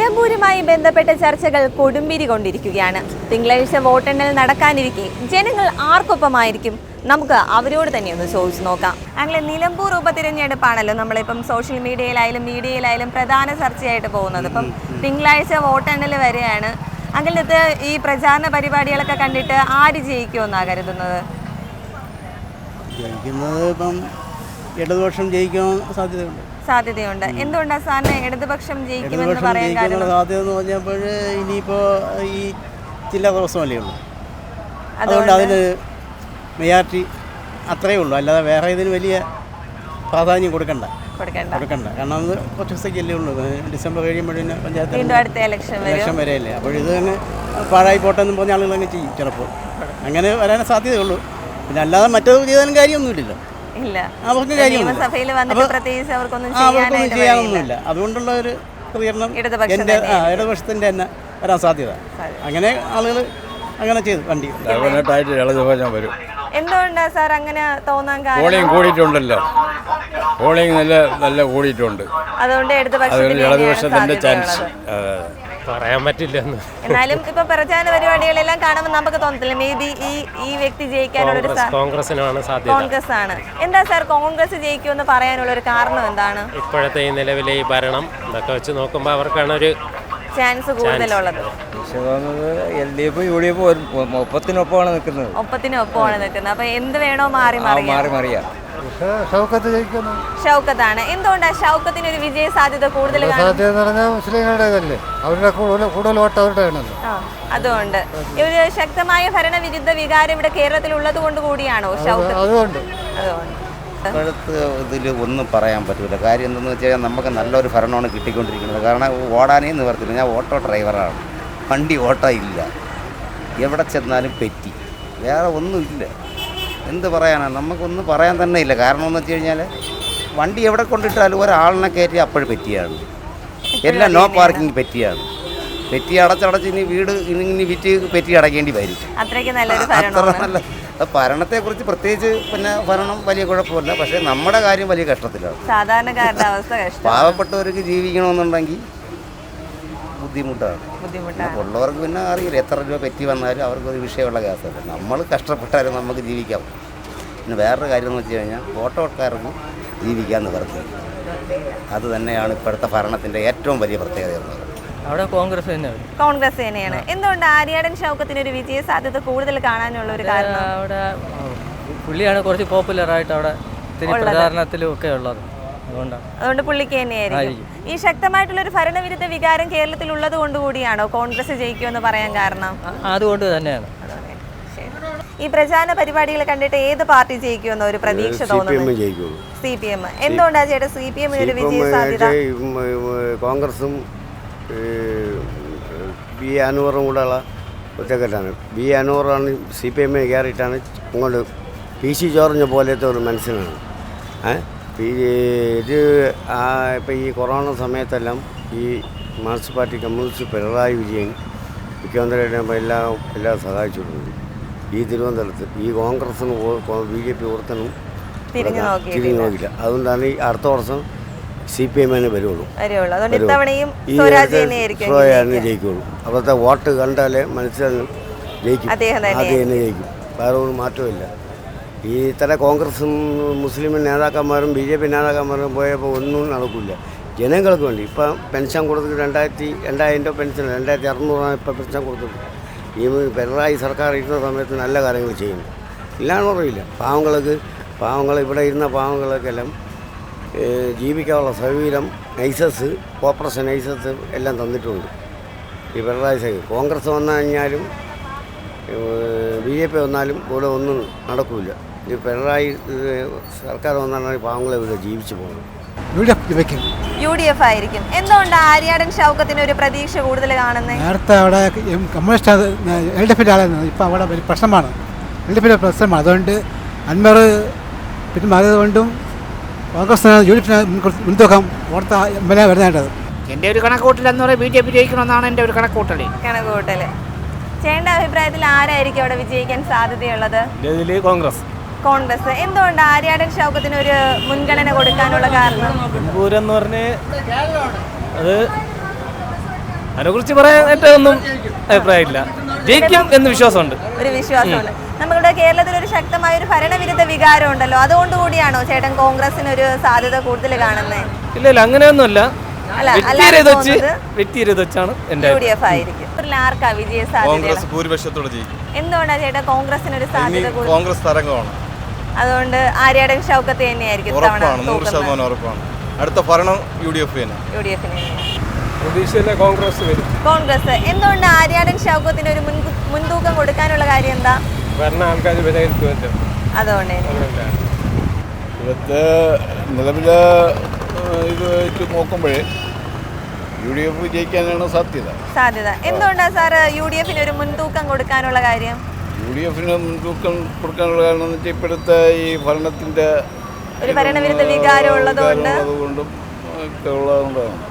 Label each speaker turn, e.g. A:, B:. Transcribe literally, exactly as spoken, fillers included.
A: നിലമ്പൂരുമായി ബന്ധപ്പെട്ട ചർച്ചകൾ കൊടുമ്പിരി കൊണ്ടിരിക്കുകയാണ്. തിങ്കളാഴ്ച വോട്ടെണ്ണൽ നടക്കാനിരിക്കെ ജനങ്ങൾ ആർക്കൊപ്പമായിരിക്കും? നമുക്ക് അവരോട് തന്നെ ഒന്ന് ചോദിച്ചു നോക്കാം. അങ്ങനെ നിലമ്പൂർ ഉപതിരഞ്ഞെടുപ്പാണല്ലോ നമ്മളിപ്പം സോഷ്യൽ മീഡിയയിലായാലും മീഡിയയിലായാലും പ്രധാന ചർച്ചയായിട്ട് പോകുന്നത്. ഇപ്പം തിങ്കളാഴ്ച വോട്ടെണ്ണൽ വരെയാണ്. അങ്ങനത്തെ ഈ പ്രചാരണ പരിപാടികളൊക്കെ കണ്ടിട്ട് ആര് ജയിക്കുമെന്നാണ് കരുതുന്നത്?
B: ജയിക്കുന്നത് ഇപ്പം ഇടതുപക്ഷം ജയിക്കാൻ സാധ്യതയുണ്ട്
A: സാധ്യതയുണ്ട് എന്തുകൊണ്ടാണ് സാറിന് ഇടതുപക്ഷം ജയിക്കുമെന്ന് പറയാൻ കാരണം?
B: സാധ്യത എന്ന് പറഞ്ഞപ്പോൾ ഇനിയിപ്പോൾ ഈ ജില്ലാ പ്രശ്നമല്ലേ ഉള്ളൂ, അതുകൊണ്ട് അതിന് മെജോറിറ്റി അത്രയേ ഉള്ളൂ. അല്ലാതെ വേറെ ഇതിന് വലിയ പ്രാധാന്യം കൊടുക്കണ്ട കൊടുക്കണ്ട കാരണം അത് കുറച്ച് ദിവസത്തേക്കല്ലേ ഉള്ളൂ. ഡിസംബർ കഴിയുമ്പോഴേ പഞ്ചായത്ത് ഇലക്ഷൻ വരെയല്ലേ. അപ്പോൾ ഇത് തന്നെ പാഴായി പോട്ടെന്നും പറഞ്ഞ ആളുകൾ അങ്ങ് ചെയ്യും ചിലപ്പോൾ. അങ്ങനെ വരാൻ സാധ്യതയുള്ളൂ. പിന്നെ അല്ലാതെ മറ്റൊരു ചെയ്താലും കാര്യമൊന്നുമില്ലല്ലോ. അവർക്ക് അവർക്കൊന്നും ചെയ്യാനൊന്നുമില്ല. അതുകൊണ്ടുള്ള ഒരു പ്രതികരണം എൻ്റെ ഇടതുപക്ഷത്തിൻ്റെ തന്നെ വരാൻ സാധ്യത. അങ്ങനെ ആളുകൾ അങ്ങനെ ചെയ്തു വണ്ടി
C: വരും.
A: എന്തുകൊണ്ടാണ് സാർ അങ്ങനെ തോന്നാൻ കാരണം?
C: പോളിംഗ് കൂടിയിട്ടുണ്ടല്ലോ, പോളിംഗ് നല്ല നല്ല കൂടിയിട്ടുണ്ട്.
A: അതുകൊണ്ട്
C: ഇടതുപക്ഷത്തിന്റെ ചാൻസ്
D: പറയാൻ പറ്റില്ല.
A: എന്നാലും ഇപ്പൊ പ്രചാരണ പരിപാടികളെല്ലാം കാണുമ്പോൾ നമുക്ക് തോന്നത്തില്ല മേ ബി ഈ ഈ വ്യക്തി ജയിക്കാനുള്ള
D: കോൺഗ്രസിനാണ് സാധ്യത.
A: കോൺഗ്രസ് ആണ്. എന്താ സാർ കോൺഗ്രസ് ജയിക്കുമെന്ന് പറയാനുള്ള ഒരു കാരണം എന്താണ്?
D: ഇപ്പോഴത്തെ ഈ നിലവിലെ ഈ ഭരണം ഇതൊക്കെ വെച്ച് നോക്കുമ്പോൾ അവർക്കാണ് ഒരു
A: ചാൻസ് കൂടുതലുള്ളത്.
E: L D F U D F ഒപ്പത്തിനൊപ്പമാണ് നിൽക്കുന്നത്
A: ഒപ്പത്തിനൊപ്പമാണ് നിൽക്കുന്നത്. അപ്പൊ എന്ത് വേണോ മാറി മാറി
E: മാറി മാറിയാ
A: ഷൗക്കത്താണ്. എന്തുകൊണ്ടാണ് ഷൗക്കത്തിന് ഒരു വിജയ സാധ്യത കൂടുതൽ? അതുകൊണ്ട് ഒരു ശക്തമായ ഭരണവിരുദ്ധ വികാരം ഇവിടെ കേരളത്തിൽ ഉള്ളത് കൊണ്ട് കൂടിയാണോ ഷൗക്കത്ത്? അതുകൊണ്ട്
F: ഇപ്പോഴത്തെ ഇതിൽ ഒന്നും പറയാൻ പറ്റില്ല. കാര്യം എന്തെന്ന് വെച്ച് കഴിഞ്ഞാൽ നമുക്ക് നല്ലൊരു ഭരണമാണ് കിട്ടിക്കൊണ്ടിരിക്കുന്നത്. കാരണം ഓടാനേ നിവർത്തില്ല. ഞാൻ ഓട്ടോ ഡ്രൈവറാണ്, വണ്ടി ഓട്ടോ ഇല്ല, എവിടെ ചെന്നാലും പെറ്റി, വേറെ ഒന്നുമില്ല. എന്ത് പറയാനാണ്, നമുക്കൊന്നും പറയാൻ തന്നെ ഇല്ല. കാരണം എന്ന് വെച്ച് കഴിഞ്ഞാൽ വണ്ടി എവിടെ കൊണ്ടിട്ടാലും ഒരാളിനെ കയറ്റി അപ്പോഴും പെറ്റിയാണ്, എല്ലാം നോ പാർക്കിംഗ് പെറ്റിയാണ്. പെറ്റി അടച്ചടച്ച് ഇനി വീട് ഇനി വിറ്റ് പെറ്റി അടയ്ക്കേണ്ടി വരും.
A: അത്ര
F: നല്ല ഭരണത്തെക്കുറിച്ച് പ്രത്യേകിച്ച് പിന്നെ ഭരണം വലിയ കുഴപ്പമില്ല, പക്ഷേ നമ്മുടെ കാര്യം വലിയ കഷ്ടത്തിലാണ്.
A: സാധാരണക്കാരുടെ അവസ്ഥ
F: പാവപ്പെട്ടവർക്ക് ജീവിക്കണമെന്നുണ്ടെങ്കിൽ ബുദ്ധിമുട്ടാണ്. ഉള്ളവർക്ക് പിന്നെ അറിയില്ല എത്ര രൂപ പറ്റി വന്നാലും അവർക്കൊരു വിഷയമുള്ള കേസല്ല. നമ്മൾ കഷ്ടപ്പെട്ടാലും നമുക്ക് ജീവിക്കാം. പിന്നെ വേറൊരു കാര്യം എന്ന് വെച്ച് കഴിഞ്ഞാൽ ഓട്ടോക്കാർക്ക് ജീവിക്കാൻ നിവർത്തി. അത് തന്നെയാണ് ഇപ്പോഴത്തെ ഭരണത്തിൻ്റെ ഏറ്റവും വലിയ പ്രത്യേകത എന്ന് പറയുന്നത്.
G: അവിടെ കോൺഗ്രസ് തന്നെയാണ്
A: കോൺഗ്രസ് തന്നെയാണ്. എന്തുകൊണ്ട് ആര്യാടൻ ഷൗക്കത്തിന് ഒരു വിജയ സാധ്യത കൂടുതൽ കാണാനുള്ള ഒരു കാരണം?
G: അവിടെ പുള്ളിയാണ് കുറച്ച് പോപ്പുലർ ആയിട്ട് അവിടെ പ്രചാരണത്തിലും ഒക്കെ ഉള്ളത്.
A: അതുകൊണ്ട് പുള്ളിക്ക് തന്നെയായിരിക്കും. ഈ ശക്തമായിട്ടുള്ള ഒരു ഭരണവിരുദ്ധ വികാരം കേരളത്തിൽ ഉള്ളത് കൊണ്ട് കൂടിയാണോ കോൺഗ്രസ് ജയിക്കുമെന്ന് പറയാൻ കാരണം?
G: അതുകൊണ്ട് തന്നെയാണ്.
A: ഈ പ്രചാരണ പരിപാടികൾ കണ്ടിട്ട് ഏത് പാർട്ടി ജയിക്കുമെന്ന് ഒരു പ്രതീക്ഷ തോന്നുന്നു? C P M. എന്തുകൊണ്ടാണ് ചേട്ടാ സി പി എമ്മിന് ഒരു വിജയ സാധ്യത?
B: കോൺഗ്രസും ബി അനൂറും കൂടെയുള്ള ഒറ്റക്കെട്ടാണ്. ബി അനൂറാണ് സി പി എമ്മിന് കയറിയിട്ടാണ് അങ്ങോട്ട് പി സി ജോർജ് പോലത്തെ ഒരു മനുഷ്യനാണ്. ഇത് ഇപ്പം ഈ കൊറോണ സമയത്തെല്ലാം ഈ Marxist party communist Pinarayi Vijayan മുഖ്യമന്ത്രിയായിട്ട് എല്ലാം എല്ലാം സഹായിച്ചിട്ടുണ്ട്. ഈ തിരുവനന്തപുരത്ത് ഈ കോൺഗ്രസിന് ബി ജെ പി ഓർത്തനും തിരിഞ്ഞു നോക്കില്ല. അതുകൊണ്ടാണ് ഈ അടുത്ത വർഷം സി പി എമ്മിന് വരുള്ളൂ, ജയിക്കുള്ളൂ. അപ്പോഴത്തെ വോട്ട് കണ്ടാലേ മനസ്സിലാകും ജയിക്കും, അത് തന്നെ ജയിക്കും. വേറെ ഒരു മാറ്റമില്ല. ഈ ഇത്തരം കോൺഗ്രസും മുസ്ലിം നേതാക്കന്മാരും ബി ജെ പി നേതാക്കന്മാരും പോയപ്പോൾ ഒന്നും നടക്കില്ല. ജനങ്ങൾക്ക് വേണ്ടി ഇപ്പം പെൻഷൻ കൊടുത്തിട്ട് രണ്ടായിരത്തി രണ്ടായിരം രൂപ പെൻഷൻ രണ്ടായിരത്തി അറുന്നൂറാണ് ഇപ്പം പെൻഷൻ കൊടുത്തത്. ഈ പിണറായി സർക്കാർ ഇരുന്ന സമയത്ത് നല്ല കാര്യങ്ങൾ ചെയ്യുന്നു, ഇല്ലാന്ന് പറയില്ല. പാവങ്ങൾക്ക് പാവങ്ങൾ ഇവിടെ ഇരുന്ന പാവങ്ങൾക്കെല്ലാം ജീവിക്കാനുള്ള സൗകര്യം നൈസസ് കോർപ്പറേഷൻ നൈസസ് എല്ലാം തന്നിട്ടുണ്ട് ഈ പിണറായി സർക്കാർ. കോൺഗ്രസ് വന്നു കഴിഞ്ഞാലും ബി ജെ പി വന്നാലും ഇവിടെ ഒന്നും നടക്കില്ല. ഈ പിണറായി സർക്കാർ വന്നാണ് പാവങ്ങളെ ഇവിടെ ജീവിച്ചു പോകുന്നത്.
A: യു ഡി എഫ് ആയിരിക്കും. എന്തുകൊണ്ടാണ് ആര്യാടൻ ഷൗക്കത്തിന് ഒരു പ്രതീക്ഷ കൂടുതൽ കാണുന്നത്?
H: നേരത്തെ അവിടെ കമ്മ്യൂണിസ്റ്റ് എൽ ഡി എഫിൻ്റെ ആളായിരുന്നു, ഇപ്പം അവിടെ ഒരു പ്രശ്നമാണ്, എൽ ഡി എഫിൻ്റെ പ്രശ്നമാണ്. അതുകൊണ്ട് അൻവർ പിന്നെ മാറിയതുകൊണ്ടും കോൺഗ്രസ് യു ഡി എഫിനെ മുൻതൂക്കം ഓർത്ത എം എൽ എ വരുന്നതായിട്ടത്.
I: എൻ്റെ ഒരു കണക്കൂട്ടൽ എന്ന് പറയുന്നത് ബി ജെ പി ജയിക്കണമെന്നാണ് എൻ്റെ ഒരു കണക്കൂട്ടൽ
A: കണക്കൂട്ടൽ ചേട്ടൻ്റെ അഭിപ്രായത്തിൽ ആരായിരിക്കും അവിടെ വിജയിക്കാൻ സാധ്യതയുള്ളത്?
D: കോൺഗ്രസ്.
A: കോൺഗ്രസ്. എന്തുകൊണ്ട് ആര്യാടൻ ഷൗക്കത്തിന് ഒരു മുൻഗണന കൊടുക്കാനുള്ള കാരണം?
D: എന്ന് പറഞ്ഞ് അത്
G: അതിനെക്കുറിച്ച് പറയാനായിട്ട് ഒന്നും അഭിപ്രായമില്ല. ജയിക്കും എന്ന് വിശ്വാസമുണ്ട്.
A: ഒരു വിശ്വാസമുണ്ട്. നമ്മുടെ കേരളത്തിൽ ഒരു ശക്തമായ ഒരു ഭരണവിരുദ്ധ വികാരം ഉണ്ടല്ലോ, അതുകൊണ്ടുകൂടിയാണോ ചേട്ടൻ കോൺഗ്രസിന് ഒരു സാധ്യത കൂടുതൽ കാണുന്നത്?
G: ഇല്ല ഇല്ല അങ്ങനെയൊന്നുമില്ല.
A: അല്ല,
G: വെച്ചാണ്
A: യു ഡി എഫ് ആയിരിക്കും. ആർക്കാ വിജയ സാധ്യത?
C: ഭൂരിപക്ഷത്തോടെ ജയിക്കും.
A: എന്തുകൊണ്ടാണ് ചേട്ടാ കോൺഗ്രസിന് ഒരു സാധ്യത കൂടുതൽ?
C: കോൺഗ്രസ് തരംഗമാണ്,
A: അതുകൊണ്ട് ആര്യാടൻ ഷൗക്കത്ത് തന്നെയായിരിക്കും
C: ഉറപ്പാണ്, നൂറ് ശതമാനം ഉറപ്പാണ്. അടുത്ത ഭരണം യു ഡി എഫ് തന്നെ.
A: യു ഡി എഫിന്
C: പ്രതീക്ഷയിലെ കോൺഗ്രസ് വരും.
A: കോൺഗ്രസ് എന്തുകൊണ്ട് ആര്യാടൻ ഷൗക്കത്തിന് ഒരു മുൻകൂ- മുൻതൂക്കം കൊടുക്കാനുള്ള കാര്യം എന്താ?
C: ഭരണ ആൾക്കാർ വിലയിരുത്തുമല്ലോ.
A: അതുകൊണ്ട്
C: ഇവിടുത്തെ നിലവിലെ ഇത് വെച്ച് നോക്കുമ്പോഴേ യു ഡി എഫ് ജയിക്കാനാണ് സാധ്യത.
A: സാധ്യത എന്തുകൊണ്ടാണ് സാർ യു ഡി എഫിന് ഒരു മുൻതൂക്കം കൊടുക്കാനുള്ള കാര്യം?
C: യു ഡി എഫിന് മുൻതൂക്കം കൊടുക്കാനുള്ള കാരണം എന്ന് വെച്ചാൽ ഇപ്പോഴത്തെ ഈ ഭരണത്തിൻ്റെ
A: ഒരു ഭരണവിരുദ്ധ വികാരം ഉള്ളതുകൊണ്ട്
C: അതുകൊണ്ടും ഒക്കെ ഉള്ളതുകൊണ്ടാണ്.